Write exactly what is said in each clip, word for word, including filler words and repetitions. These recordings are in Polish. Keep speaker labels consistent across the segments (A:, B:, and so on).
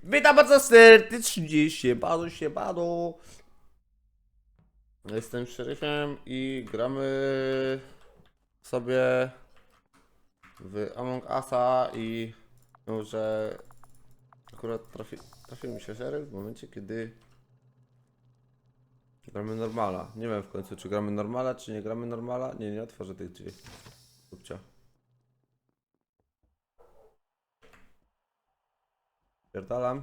A: Witam bardzo serdecznie, siemano, siemano. Jestem szeryfem i gramy sobie w Among Usa i może akurat trafi, trafił mi się szeryf w momencie, kiedy gramy normala. Nie wiem w końcu, czy gramy normala, czy nie gramy normala. Nie, nie otworzę tych drzwi. Kupcia. Pierdalam.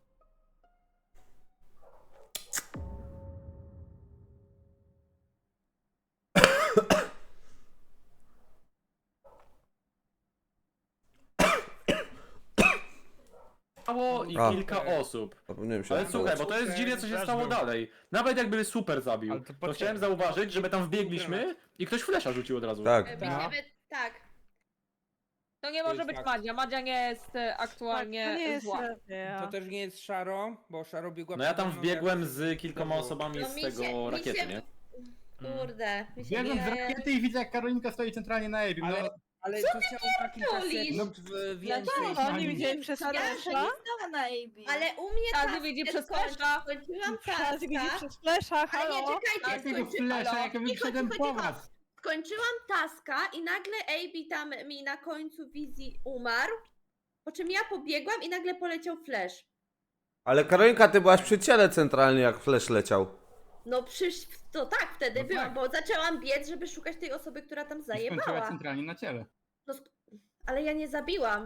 B: Stało i
A: A.
B: kilka osób.
A: Zapomniałem się.
B: Ale słuchaj, bo to jest dziwne, co się stało dalej. Nawet jakby super zabił,
C: Ale to
B: to
C: poczekaj.
B: chciałem zauważyć, że my tam wbiegliśmy i ktoś flesza rzucił od razu.
A: Tak.
D: E,
C: Tak.
D: Będziemy, tak.
E: To nie
C: To
E: może
C: jest
E: być
C: fakt.
E: Madzia. Madzia nie jest e, aktualnie
F: to nie jest
E: zła.
F: racja.
C: To też nie jest Szaro, bo Szaro biegła
B: No ja
C: przede
B: tam
C: mną,
B: wbiegłem
C: jak-
B: z kilkoma osobami
D: No
B: z
D: mi się-
B: tego
D: mi
B: rakiety,
D: się-
B: nie?
D: Kurde, mi się
G: Biegłem z
D: nie...
G: rakiety i widzę, jak Karolinka stoi centralnie na Abim.
C: Ale,
G: No,
C: ale to ciało ma kilka
D: pierdolisz?
C: sekund w- więcej.
F: Dlaczego
G: Ani-
F: nie widzieli przez
D: Ja
F: flesza?
D: się
F: na A B.
D: Ale u mnie
E: Każdy
D: task
E: widzi
D: się
E: przez
D: skończy-
E: flesza.
D: Skończyłam
F: Każdy widzi
D: taska.
F: przez flesza,
D: Ale
F: halo?
D: nie, czekajcie,
G: jakiego
D: skończy...
G: flesza,
D: Halo?
G: jak ja
D: Cicho,
G: wyszedłem
D: cicho,
G: po
D: cicho.
G: was.
D: Skończyłam taska i nagle A B tam mi na końcu wizji umarł, po czym ja pobiegłam i nagle poleciał flash.
A: Ale Karolinka, ty byłaś przy ciele centralnie, jak flash leciał.
D: No przysz... to tak wtedy
G: No
D: byłam,
G: tak.
D: bo zaczęłam biec, żeby szukać tej osoby, która tam
G: I skończyłaś
D: zajebała.
G: centralnie na ciele.
D: No, sk- ale ja nie zabiłam.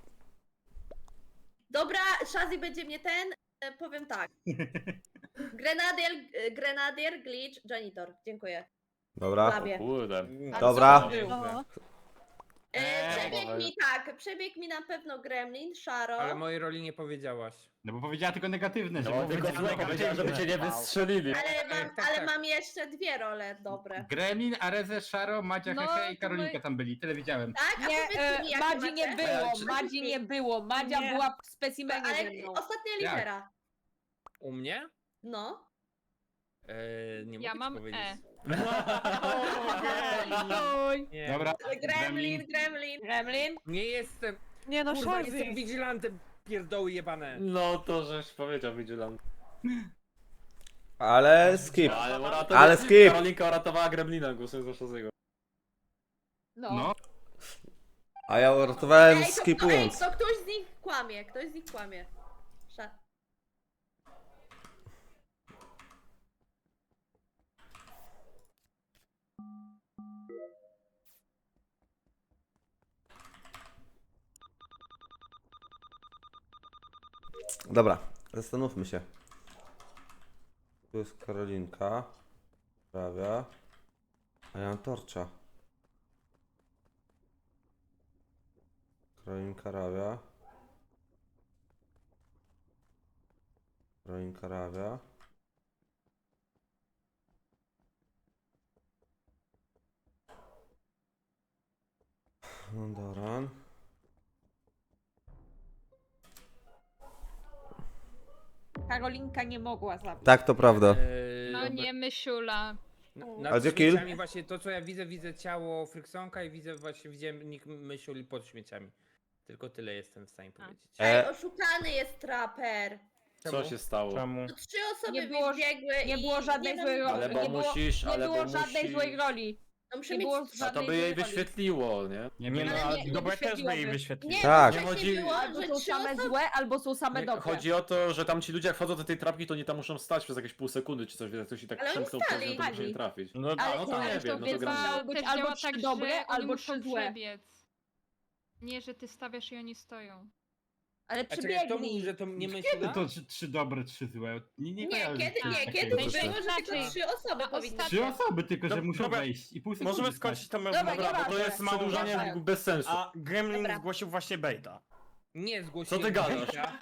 D: Dobra, Shazzy będzie mnie ten, e, powiem tak. Grenadier, e, Grenadier, Glitch, Janitor. Dziękuję.
A: Dobra.
D: Labie.
B: Kurde.
D: A
A: Dobra.
D: co był?
F: No.
D: E,
G: Eee,
D: przebiegł
B: dobra.
D: mi tak, przebiegł mi na pewno Gremlin, Sharo.
C: Ale mojej roli nie powiedziałaś.
G: No bo powiedziała tylko negatywne, że
B: No
G: było
B: tylko
G: powiedziane
B: złe powiedziałem, żeby cię nie wystrzelili.
D: Ale, mam,
C: tak,
D: ale
C: tak.
D: mam jeszcze dwie role dobre.
G: Gremlin, Areze, Szaro, Madzia,
E: No,
G: Hehe i
E: to
G: Karolinka
E: my-
G: tam byli. Tyle widziałem.
D: Tak? A
E: Nie,
D: powiedzcie mi,
E: e,
D: jak
E: Madzi nie
D: macie?
E: było,
B: Czy-
E: Madzi nie było. Madzia
F: Nie.
E: była w specimenie ze
D: Ale
E: mną.
D: ostatnia
G: Jak?
D: litera.
C: U mnie?
D: No.
C: Eee, nie
H: Ja
C: mogę ci
H: mam
C: powiedzieć.
H: E.
E: Oj.
C: Nie.
G: Dobra.
D: Gremlin, Gremlin.
E: Gremlin?
C: Nie jestem,
F: Nie no,
C: kurwa,
F: Shazzy.
C: jestem vigilantem, pierdoły jebane.
B: No to żeś powiedział, Vigilant.
A: Ale skip.
B: Ale, uratowa-
A: Ale skip.
B: Karolinka uratowała Gremlina, głosując za Shazzy'ego.
E: No.
G: No.
A: A ja uratowałem
D: Ej, to, to, ej,
A: skipując.
D: to ktoś z nich kłamie, ktoś z nich kłamie. Sza...
A: Dobra, zastanówmy się. Tu jest Karolinka. Prawia. A ja mam torcza. Karolinka Rawia. Karolinka Rawia. Doran.
E: Karolinka nie mogła zabić.
A: Tak, to prawda.
C: Eee,
H: No nie myśula.
C: Na-
A: A
C: Nad
A: gdzie kill?
C: śmieciami właśnie to co ja widzę, widzę ciało Fryksonka i widzę właśnie widziałem nikt myśli pod śmieciami. Tylko tyle jestem w stanie powiedzieć.
D: Ej,
A: E,
D: oszukany jest traper.
B: Co się stało?
C: Czemu?
D: To trzy osoby
E: Nie było-
D: wybiegły
E: Nie
D: i
E: było żadnej
D: nie
E: złej
D: wiem-
E: roli.
B: Ale bo
E: nie było,
B: musisz,
E: nie
B: ale
E: było
B: bo
E: żadnej
B: musi...
E: złej roli.
D: No muszę
E: Nie
D: mieć...
E: było
B: A to
E: żadnej
B: by jej
E: złej roli.
B: wyświetliło, nie?
G: Nie
E: Nie,
G: wiem.
E: no, nie, nie
F: Dobra, też by
E: wyświetliłoby.
F: jej wyświetlił.
D: Nie,
A: Tak.
D: tak.
B: Nie chodzi-
D: było,
E: Albo
D: że
E: są
D: trzy
E: same
D: osoby...
E: złe, albo są same
B: Nie,
E: dobre.
B: chodzi o to, że tam ci ludzie jak wchodzą do tej trapki, to nie tam muszą stać przez jakieś pół sekundy czy coś, jak ktoś i tak
D: Ale oni
B: przemknął
D: stali.
B: przez nią, to musi nie
E: Stali.
B: trafić.
G: No,
B: A,
E: Ale
B: no to
E: ale
B: nie
E: to
B: wiem, no to
E: więc
B: gra.
E: musiały być
H: Też
E: albo
H: działa
E: trzy
H: tak,
E: dobre,
H: że oni
E: albo
H: muszą
E: trzy złe.
H: przebiec. Nie, że ty stawiasz i oni stoją.
E: Ale
C: A czekaj, kto mówi,
E: przybiegnij.
C: że to nie
G: Kiedy
C: myśla?
G: to trzy, trzy dobre, trzy złe? Nie, nie,
D: Nie,
G: kojarzę
D: kiedy,
G: czegoś
D: nie,
G: takiego.
D: kiedy
A: Proszę.
D: było, że tylko
H: Inaczej.
D: trzy osoby
H: A
D: powinny...
H: ostatnio-
G: Trzy osoby tylko, że
I: Dob-
G: muszą
I: dobra.
G: wejść i pół sekundy
I: Możemy
G: stać.
I: skończyć to
E: Dobra,
B: Dobra, bo to
E: nieważne.
B: jest przedłużanie
E: Nieważne.
B: bez sensu.
I: A Gremlin
D: Dobra.
I: zgłosił właśnie Baita.
C: Nie zgłosiłem.
B: Co ty gadasz?
C: Baita.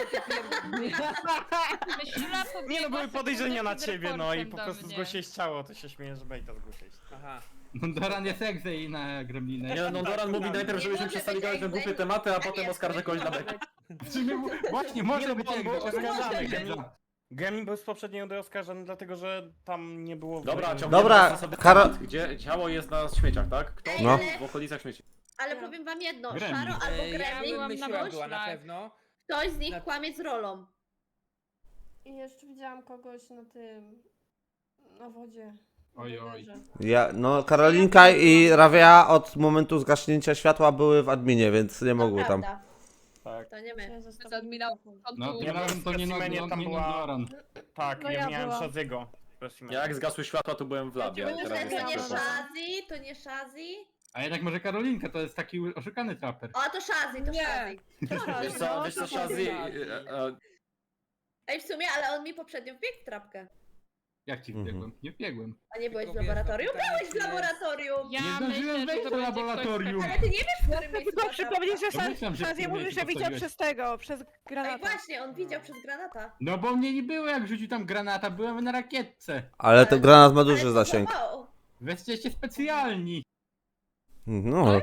H: Myśula pobiegła
I: Nie no, były
H: sekundę
I: podejrzenia na
H: przed
I: ciebie, no i
H: reportem
I: po
H: do
I: prostu
H: mnie.
I: zgłosiłeś ciało, to się śmieję, że Baita zgłosiłeś.
C: Aha.
G: No Doran jest egzę i na Gremlinę.
B: Nie no, Doran mówi
I: tak.
B: najpierw,
D: Nie
B: żebyśmy
D: może
B: przestali
D: być
B: gadać na
D: egzem.
B: głupie tematy, a
D: Tak
B: potem
D: jest,
B: oskarżę kogoś na
D: może
B: bek.
D: być.
G: Czy my- Właśnie, może
I: no,
G: być
I: bo on był
G: egzę.
I: oskarżany,
G: Egzę.
I: Gremlin. Gremlin był z poprzedniej rundy oskarżany, dlatego że tam nie było...
B: Dobra, ciągniemy
A: Dobra,
B: sobie
A: Karo-
B: temat, gdzie ciało jest na śmieciach, tak? Kto
D: No.
B: był w okolicach śmieci?
D: Ale powiem wam jedno,
G: Gremlin.
D: Szaro albo
C: Eee, ja
D: Gremlin,
C: bym
H: byłam na
C: myślała była na
H: myślach.
C: pewno.
D: Ktoś z nich
C: Na-
D: kłamie z rolą.
F: I jeszcze widziałam kogoś na tym... na wodzie. na
G: Oj, oj.
F: rowerze.
A: Ja, no Karolinka i Rawia od momentu zgaśnięcia światła były w adminie, więc nie mogły
D: To
A: tam.
D: prawda.
I: Tak.
D: To nie my.
F: Chciałem
E: Z
F: zostawić
E: admina
F: mikrofon.
G: No,
I: Ja
G: ja
I: byłem
G: to nie,
I: w
G: no,
I: specimenie,
G: no,
I: tam
G: nie
I: była-
G: Nodoran.
I: Tak,
F: No
I: ja,
F: ja
I: miałem
F: byłam.
I: Shaziego.
B: Ja jak zgasły światła, to byłem w labie.
D: To
B: a
D: nie
B: teraz jestem
D: to nie
B: w Shazzy.
D: Shazzy, to nie Shazzy.
G: A jednak może Karolinka to jest taki oszukany traper.
D: O, to Shazzy, to
E: Nie.
D: Shazzy.
B: Wiesz co, wiesz co, Shazzy, e, e,
D: Ej, w sumie, ale on mi poprzednio wbiegł w trapkę.
G: Jak ci
A: Mhm.
G: wbiegłem? Nie wbiegłem.
D: A nie byłeś w
C: Tylko wiesz,
D: laboratorium?
C: pytanie,
D: Byłeś w
C: czy jest-
D: laboratorium!
H: Ja
G: Nie zdążyłem
H: myślę,
G: wejść
H: że
G: do
H: to będzie ktoś
G: laboratorium.
H: taki-
D: Ale ty nie wiesz, w którym miejscu
F: Tylko
D: była
F: przypomnieć, że
G: Domyślam, że w
F: Shazia
G: tym
F: mówił,
G: miejscu
F: że widział
G: postawiłeś.
F: przez tego, przez
D: Ej,
F: granata.
D: właśnie, on widział przez granata.
G: No bo mnie nie było jak rzucił tam granata, byłem na rakietce.
A: Ale ten granat ma duży
D: Ale
A: zasięg.
D: próbował.
G: Wy jesteście specjalni.
A: No.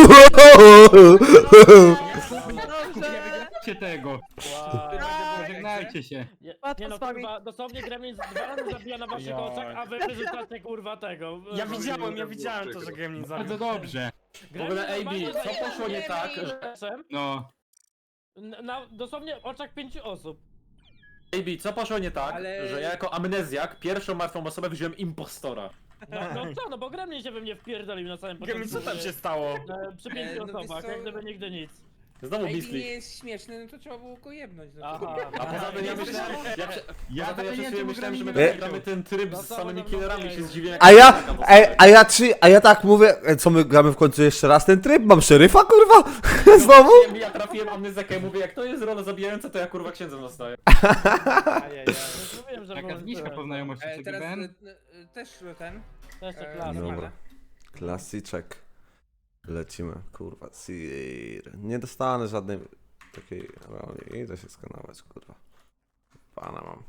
F: Dobrze.
G: Cię tego.
F: Tak.
G: Pożegnajcie się.
J: Nie,
F: Łatwo
J: nie no
F: z wami.
J: kurwa, dosłownie Gremlin dwa razy zabija na waszych
I: Jaj.
J: oczach, a wy wyrzucacie kurwa tego.
I: Ja widziałem, ja widziałem to, że Gremlin zabił.
G: Bardzo dobrze.
B: W ogóle, A B, co poszło nie tak, że...
J: że...
G: No.
J: Na dosłownie oczach pięciu osób.
B: A B, co poszło nie tak,
C: Ale-
B: że ja jako amnezjak pierwszą martwą osobę wziąłem impostora.
J: No, no co, no bo Gremlin się we mnie wpierdolił na samym
I: Gremlin,
J: początku.
I: co tam
J: że-
I: się stało?
J: e, Przy pięciu
C: E, no wiesz
J: osobach,
C: co?
J: jak gdyby nigdy nic.
B: Znowu
C: Ej, nie
B: Beastly.
C: jest śmieszny, no to trzeba było go jebnąć. No.
J: Aha.
B: A poza tym ja
J: Nie
B: myślałem, ja, prze-
G: Ja
B: poza tym ja
G: to nie
B: przez chwilę
G: wiem,
B: myślałem, że my
G: Gremlin
B: tutaj
G: nie
B: gramy ten tryb
J: No
B: z
J: to
B: samymi
J: będą
B: killerami,
J: mieli.
B: się zdziwiłem.
A: A ja, ej, a ja czy, a ja tak mówię, e, co my gramy w końcu jeszcze raz ten tryb? Mam szeryfa, kurwa? Znowu?
B: Ja trafiłem amnezjakę i mówię, jak to jest rola zabijająca, to ja kurwa księdzem zostaję.
J: Ajajaj. No, mówiłem, że
G: Taka
J: było-
G: zniżka po znajomości
C: E,
G: z
C: teraz
G: G B N.
C: e, e, też ten.
J: To jeszcze
C: e,
J: klasa.
A: Dobra.
C: normalne.
A: Klasyczek. Lecimy, kurwa. Sir. Nie dostanę żadnej takiej roli. Idę się skanować, kurwa. Pana mam.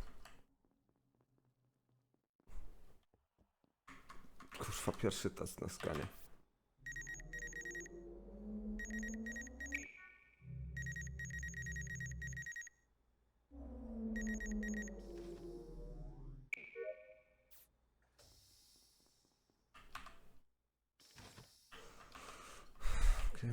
A: Kurwa, pierwszy test na skanie. Okej.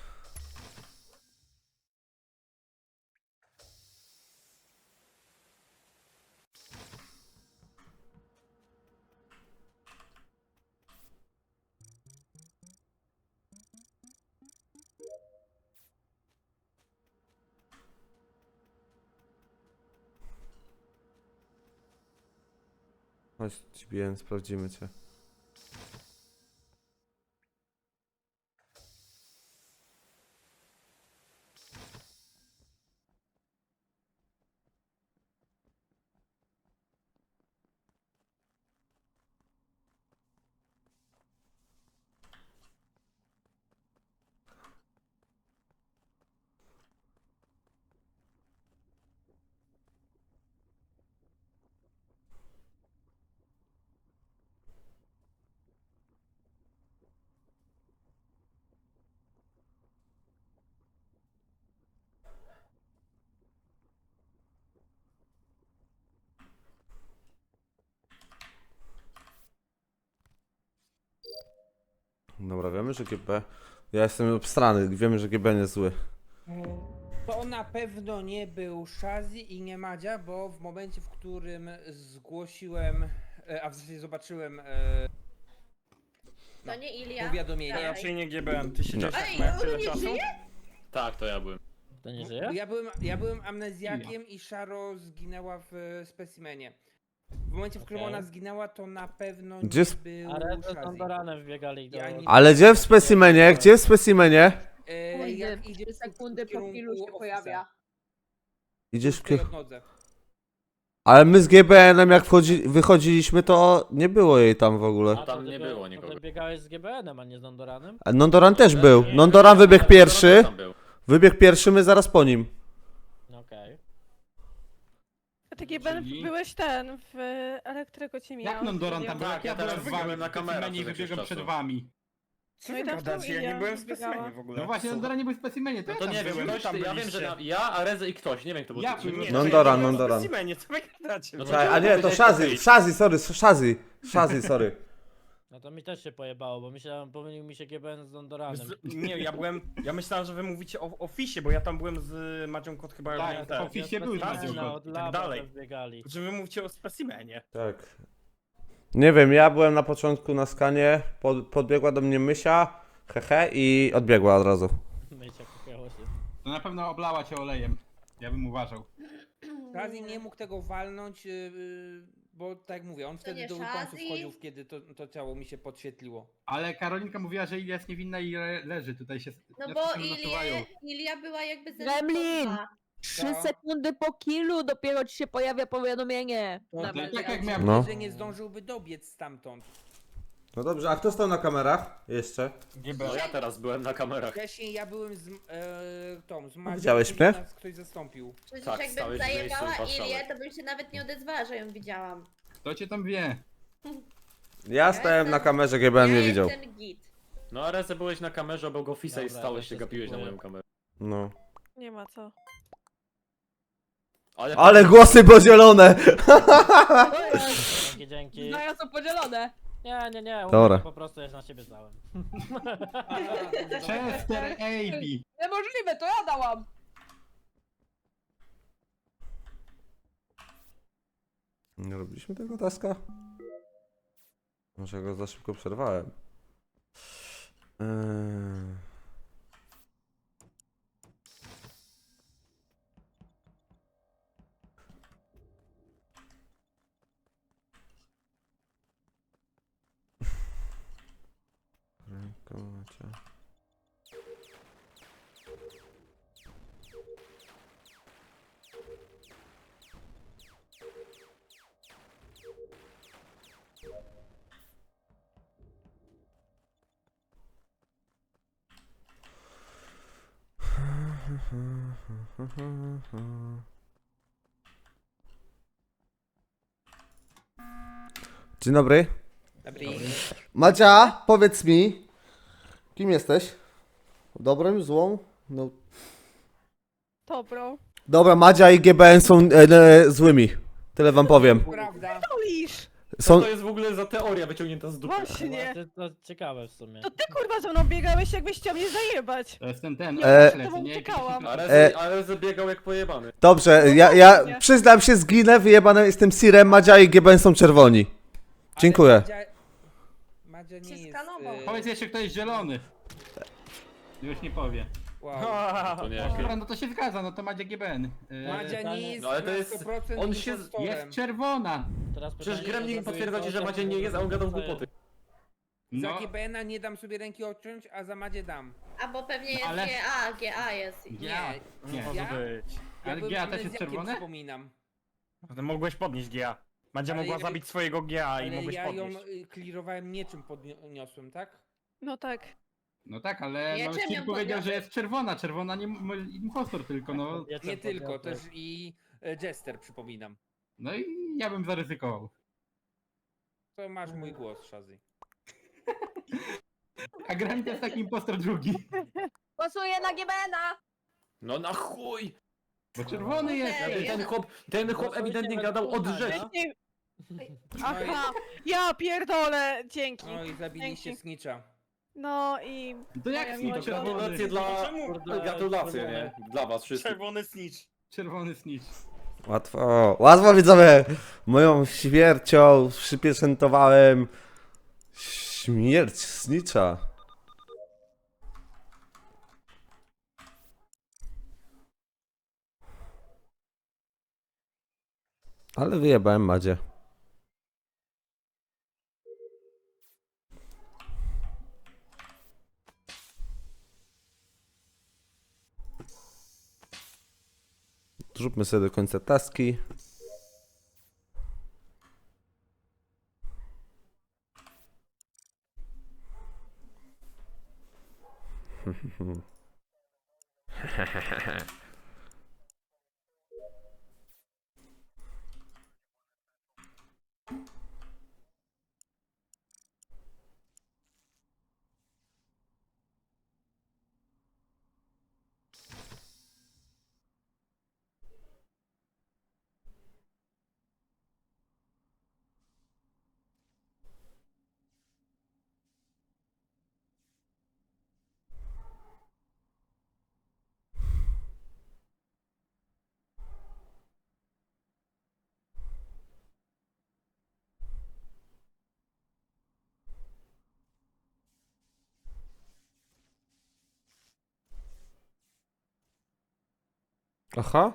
A: Chodź, G B N, sprawdzimy cię. Dobra, wiemy, że G B... Ja jestem obstrany, wiemy, że G B jest zły.
C: To na pewno nie był Shazzy i nie Madzia, bo w momencie, w którym zgłosiłem, e, a w zasadzie zobaczyłem e,
D: To nie Ilia.
C: powiadomienie.
D: Dawaj.
I: Raczej nie G B N, ty siedziałeś
D: Ej,
I: tak na
D: on
I: tyle
D: nie
I: czasu?
D: żyje?
B: Tak, to ja byłem.
J: To nie żyje?
C: Ja byłem, ja byłem amnezjakiem i Sharo zginęła w specimenie. W momencie, w którym
J: Okej.
C: ona zginęła, to na pewno
A: Gdzie
C: nie
A: sp-
C: był
J: A Red z
C: Shazzy.
J: Andoranem wbiegali do...
C: Ja nie-
A: Ale gdzie w specimenie? Gdzie w specimenie?
C: E,
E: Sekundy,
C: jak idziesz w-
E: sekundy
C: w
E: po chwilu się
C: kierunku
E: pojawia.
A: Idziesz w
C: Tej
A: kier...
C: odnodze.
A: Ale my z G B N-em jak wchodzi... wychodziliśmy, to nie było jej tam w ogóle.
B: A tam nie było nikogo.
J: Ty biegałeś z G B N-em, a nie z Andoranem?
A: A Nondoran też był.
B: Nie,
A: Nondoran
B: nie,
A: wybiegł
B: nie,
A: pierwszy.
B: tam był.
A: Wybiegł pierwszy, my zaraz po nim.
J: Okej.
F: A ty G B N
G: Czyli-
F: byłeś ten, w elektryku cię mijał.
G: Jak Nondoran tam był?
B: Tak,
G: Jak
B: ja
G: ja
B: teraz
G: byłem z
B: byłem
G: wami
B: na
G: w
B: kamerach
G: specimenie i
B: przez jakiś
G: wybiegłem
B: czas.
G: przed wami.
I: Co
F: No
I: wy
F: i tam
I: gadacie? Ja
F: Ilia
I: nie byłem w
F: biegała.
I: specimenie w ogóle.
G: No właśnie,
I: Co?
G: Nondoran nie był w specimenie, to
B: No
G: ja
B: to
G: tam
B: nie wiem,
G: byłem.
B: ktoś,
I: tam
B: ja wiem,
I: byliście.
B: że na, ja, Areze i ktoś, nie wiem kto był
G: Ja-
B: trzeci.
I: Nie,
A: Nondoran,
I: ja nie byłem
A: Nondoran.
I: w specimenie, co wy gadacie?
B: No
A: Czekaj, a nie, to Shazzy, Shazzy, sorry, Shazzy, Shazzy, sorry.
J: No to mi też się pojebało, bo myślałem, pomylił mi się G B N z Dondoranem.
I: Z, nie, ja byłem. Ja myślałem, że wy mówicie o ofisie, bo ja tam byłem z Macią Kot chyba
G: Tak,
I: jak
G: w
I: ten.
G: ofisie był
I: specimena,
G: Macią Kot.
J: od
I: i tak
J: laba
I: dalej.
J: też biegali.
I: Czy wy mówicie o specimenie?
A: Tak. Nie wiem, ja byłem na początku na skanie, pod, podbiegła do mnie Mysia, hehe, i odbiegła od razu.
J: Mycia kupiało się.
G: To na pewno oblała cię olejem. Ja bym uważał.
C: Shazzy nie mógł tego walnąć, yy, bo tak jak mówię, on wtedy
D: nie
C: do weaponsów
D: Shazzy?
C: wchodził, kiedy to, to ciało mi się podświetliło.
G: Ale Karolinka mówiła, że Ilia jest niewinna i le leży. Tutaj się
D: No
G: na
D: bo
G: wszystkim nasuwają.
D: Ilia, Ilia była jakby
E: Gremlin!
D: zemstowa.
E: Trzy
C: Co?
E: sekundy po killu dopiero ci się pojawia powiadomienie.
C: No,
D: Dobra,
C: to
G: tak
C: ja
G: jak
C: mówię,
G: miałem-
A: No.
C: że nie zdążyłby dobiec stamtąd.
A: No dobrze, a kto stał na kamerach? Jeszcze?
B: No ja teraz byłem na kamerach.
C: Wcześniej ja byłem z e, tą, z Madzią,
A: widziałeś
C: później
A: mnie?
C: nas ktoś zastąpił.
D: Przecież
B: Tak,
D: jakbym
B: stałeś w miejscu i
D: zajebała
B: patrzałeś.
D: Ilię, to bym się nawet nie odezwała, że ją widziałam.
G: Kto cię tam wie?
A: Ja stałem na kamerze, G B N
D: ja
A: mnie widział.
D: jestem git.
B: No a Reze byłeś na kamerze obok Office'a i
J: Dobra,
B: stałeś
J: to
B: się
J: się
B: gapiłeś na
J: skipuję.
B: moją kamerę.
A: No.
E: Nie ma co.
B: Ale,
A: Ale głosy podzielone!
J: Dzięki, dzięki.
E: Znaja są podzielone.
J: Nie, nie, nie, u
A: Dobra.
J: mnie po prostu jest na siebie zdałem.
G: Chester A B.
E: Niemożliwe, to ja dałam.
A: Nie robiliśmy tego taska? Może go za szybko przerwałem. Eee... Ręka macie. Dzień dobry.
C: Dobry.
A: Madzia, powiedz mi, kim jesteś? Dobrym, złą? No.
E: Dobro.
A: Dobra, Madzia i G B N są e, e, złymi. Tyle wam powiem.
C: Prawda.
E: Polisz!
A: Są...
B: Co to jest w ogóle za teoria wyciągnięta z dupy?
E: Właśnie.
J: To, to ciekawe w sumie.
E: To ty kurwa ze mną biegałeś, jakbyś chciał mnie zajebać.
G: To jest ten, ten.
A: E,
G: oślec,
E: tobą
G: nie?
E: uciekałam.
B: A
A: E-
B: Reze, a Reze biegał jak pojebany.
A: Dobrze, ja, ja przyznam się, zginę, wyjebane jestem Sirem, Madzia i G B N są czerwoni. Dziękuję.
C: Ale Madzia, Madzia nie
D: Się
C: jest...
D: skanował.
C: e,
G: Powiedz jeszcze, kto jest zielony. Już nie powie.
C: Wow.
B: To nie.
G: Dobra, no to się zgadza, no to Madzia G B N. E,
C: Madzia nie jest
B: No ale to
C: na
B: jest-
C: sto procent
B: on się-
C: impostorem.
G: Jest czerwona.
J: Teraz
B: Przecież
J: pytanie,
B: Gremlin
J: czy
B: potwierdza ci, że
J: to-
B: Madzia nie jest, a on gadał
J: to jest-
B: głupoty.
C: Za
G: No,
C: G B N a nie dam sobie ręki odciąć, a za Madzie dam.
D: Albo pewnie jest
G: Ale-
D: G A, G A jest.
G: ja. Nie.
I: Może
C: Ja?
I: być.
C: Ja
G: Ale
C: byłem
G: G A też jest
C: amnezjakiem,
G: czerwone?
C: Przypominam.
I: To mogłeś podnieść G A. Madzia
C: Ale
I: mogła
C: ja-
I: zabić swojego G A i
C: Ale
I: mogłeś
C: ja ją
I: podnieść.
C: y, clearowałem niczym podniosłem, tak?
E: No tak.
G: No tak, ale
D: Nie,
G: no,
D: czym ją
G: Sir powiedział, że
D: podniosłeś?
G: jest czerwona. Czerwona nie m- impostor tylko, no.
J: Wieczór
C: Nie tylko,
J: podniosłeś.
C: też i e, Jester przypominam.
G: No i ja bym zaryzykował.
C: To masz mój głos, Shazzy.
G: A Grani to jest taki impostor drugi.
E: Głosuję na G B N a!
B: No na chuj!
G: Bo czerwony jest.
D: Ej,
B: Ten chłop, ten chłop
J: Głosujcie
B: ewidentnie
J: we
B: gadał od
J: dwóch,
B: rzeczy.
J: tak?
E: Aha, ja pierdolę, dzięki.
C: No i zabiliście
E: Dzięki.
C: Snitcha.
E: No i...
G: To jak
E: Moja
G: Snitch
E: miłość.
G: czerwony?
B: Gratulacje dla...
J: Kurde,
B: Gratulacje, nie?
J: czerwone.
B: Dla was wszystkich.
I: Czerwony snitch.
G: Czerwony Snitch.
A: Łatwo, łatwo widzowie. Moją śmiercią przypieczętowałem śmierć Snitcha. Ale wyjebałem Madzie. Zróbmy sobie do końca taski. Aha.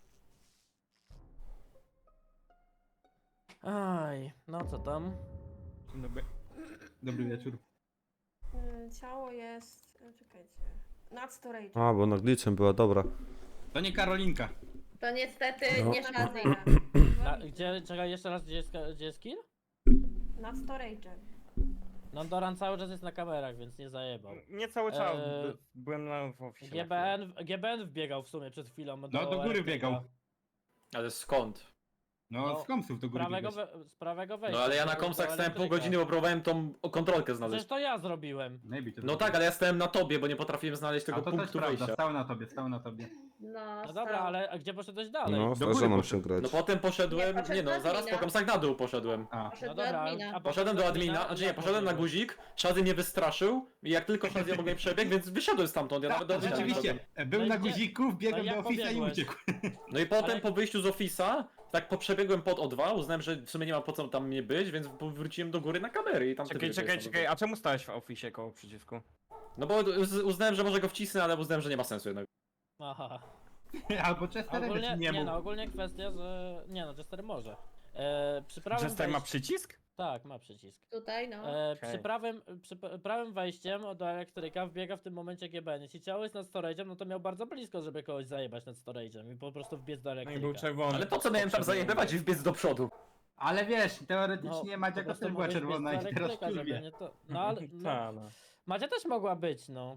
J: Aj, no co tam?
G: Dobry, dobry wieczór.
F: Y, Ciało jest... y, Czekajcie. Nad storage.
A: A, bo na glitchem była, dobra.
G: To nie Karolinka.
D: To niestety
A: No.
D: nie Shazzy.
J: Na, gdzie, czekaj, jeszcze raz, gdzie jest, ka- gdzie jest kill?
F: Nad storage.
J: Nandoran cały czas jest na kamerach, więc nie zajebał.
I: Nie cały czas,
J: Eee,
I: by- byłem na w oficie.
J: G B N, G B N wbiegał w sumie przed chwilą do
G: No do góry
J: elektryka.
G: biegał.
B: Ale skąd?
G: No,
J: No,
G: z komsów do
J: Z
G: góry
J: prawego,
G: biegłeś.
J: we, z prawego wejścia.
B: No ale ja na
J: do
B: komsach stałem pół
J: elektryka.
B: godziny, bo próbowałem tą kontrolkę znaleźć.
J: Przecież to ja zrobiłem.
G: Maybe to
B: No tak, ale ja stałem na tobie, bo nie potrafiłem znaleźć
G: A
B: tego
G: to też
B: punktu
G: prawda,
B: wyjścia.
G: stał na tobie, stał na tobie.
D: No,
J: No dobra,
D: stał.
J: ale a gdzie poszedłeś dalej?
A: No,
G: Do
A: zdarza
G: góry
A: nam
G: poszedł.
A: się grać.
B: No potem poszedłem,
D: Nie, poszedł
B: nie no,
D: do
B: zaraz
D: admina.
B: po komsach na dół poszedłem.
G: A,
D: Poszedł
J: No
D: do
J: dobra,
D: admina.
J: a
B: Poszedłem do
J: admina,
B: admina, znaczy nie,
J: jak
B: poszedłem na
J: pobiegłeś?
B: guzik, Shazzy mnie wystraszył i jak tylko Shazzy obok mnie przebiegł, więc wyszedłem stamtąd, ja nawet do
G: tak,
B: admina nie
G: rzeczywiście.
B: poszedłem.
G: Był
J: No i
G: na
J: gdzie-
G: guziku,
J: no
G: wbiegłem
J: i
G: do
J: jak
G: ofisa i
J: pobiegłeś?
G: uciekł.
B: No i potem
J: Ale-
B: po wyjściu z ofisa, tak po przebiegłem pod O dwa, uznałem, że w sumie nie ma po co tam mnie być, więc wróciłem do góry na kamery i tam
I: Czekaj,
B: wtedy
I: czekaj,
B: wyjechałem.
I: czekaj, a czemu stałeś w oficie koło przycisku?
B: No bo uz- uznałem, że może go wcisnę, ale uznałem, że nie ma sensu jednak.
J: Aha.
G: Albo Chesterego
J: Ogólnie,
G: ci
J: nie,
G: nie mógł.
J: no, ogólnie kwestia, że... Nie no, Chester może. E, przy prawym
I: Jester ma
J: wejś-
I: przycisk?
J: Tak, ma przycisk.
D: Tutaj, no.
J: E,
I: Okej.
J: przy, prawym, przy p- prawym wejściem do elektryka wbiega w tym momencie G B N. Jeśli ciało jest nad storage'em, no to miał bardzo blisko, żeby kogoś zajebać nad storage'em i po prostu wbiec do
I: No i
J: elektryka.
I: był czerwony.
B: Ale po co miałem tam zajebywać i wbiec do przodu?
G: Ale wiesz, teoretycznie
J: po
G: Madzia
J: prostu
G: też była
J: mogłeś
G: czerwona
J: wbiec
G: i
J: do
G: teraz
J: elektryka, żeby
G: kurwie.
J: nie to... No ale... No,
I: Ta, no.
J: Madzia też mogła być, no.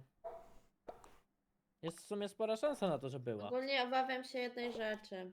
J: Jest w sumie spora szansa na to, że była.
D: Ogólnie obawiam się jednej rzeczy.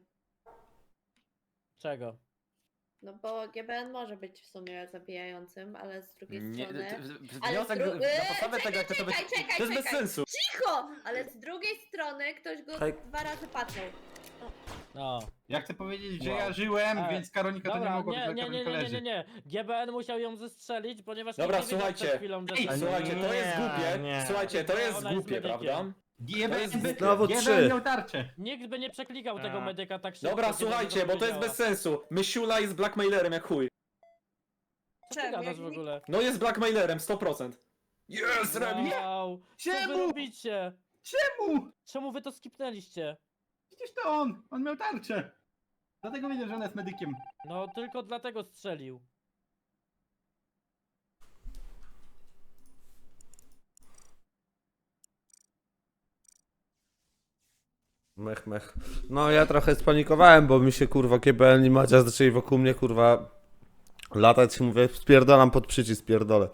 J: Czego?
D: No bo G B N może być w sumie zabijającym, ale z drugiej
B: Nie,
D: strony...
B: t- w-
D: Ale
B: wniosek
D: z dru-
B: na podstawie tego, jak to
D: czekaj,
B: być...
D: czekaj,
B: To jest bez
D: czekaj.
B: sensu.
D: Cicho! Ale z drugiej strony ktoś go
A: Hej.
D: dwa razy patrzył.
J: No.
G: Ja chcę powiedzieć, że
J: Wow.
G: ja żyłem,
J: E,
G: więc Karolinka to nie
J: Dobra,
G: mogła być,
J: nie,
G: że
J: nie, nie,
G: Karolinka
J: nie, nie, nie,
G: leży.
J: nie. G B N musiał ją zestrzelić, ponieważ
B: Dobra,
J: nikt nie widział przed
B: słuchajcie.
J: chwilą, że
B: Ej,
J: strzelił.
B: słuchajcie, to jest
I: Nie,
B: głupie.
I: nie.
B: Słuchajcie, to
J: Nie,
B: jest
J: ona jest
B: głupie,
J: medykiem.
B: prawda?
G: G B
B: To jest
G: N
B: zbyt-
A: Znowu
G: G B
A: trzy.
G: N miał tarczę.
J: Nikt by nie przeklikał tego
I: A.
J: medyka tak szybko.
B: Dobra,
J: kiedy
B: słuchajcie,
J: ona
B: bo to jest
J: powiedziała.
B: bez sensu. Mysiula jest blackmailerem jak chuj.
J: Co ty gadasz w ogóle?
B: No jest blackmailerem, sto procent. Yes, Remi!
J: Wow, co wy
G: Czemu?
J: robicie?
G: Czemu?
J: Czemu wy to skipnęliście?
G: Przecież to on, on miał tarczę. Dlatego wiedział, że ona jest medykiem.
J: No tylko dlatego strzelił.
A: Mech, mech. No ja trochę spanikowałem, bo mi się kurwa G B N i Madzia zaczęli wokół mnie kurwa latać i mówię spierdolam pod przycisk, pierdolę.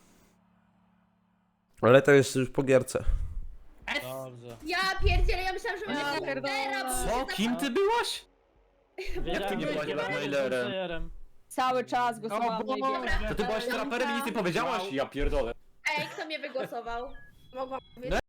A: Ale to jest już po gierce.
J: Dobrze.
D: Ja pierdzielę, ja myślałam, że
E: Ja
D: będzie
E: pierdolę.
B: Co? Kim ty byłaś?
J: Wiedziałem,
B: ty nie
J: że
B: byłaś
J: G B N
B: blackmailerem?
J: był playerem.
E: Cały czas
G: O
E: głosowałam na Ibiego.
G: Boże.
B: To ty byłaś traperem i nic nie powiedziałaś? Ja pierdolę.
D: Ej, kto mnie wygłosował?
F: Mogłam
B: No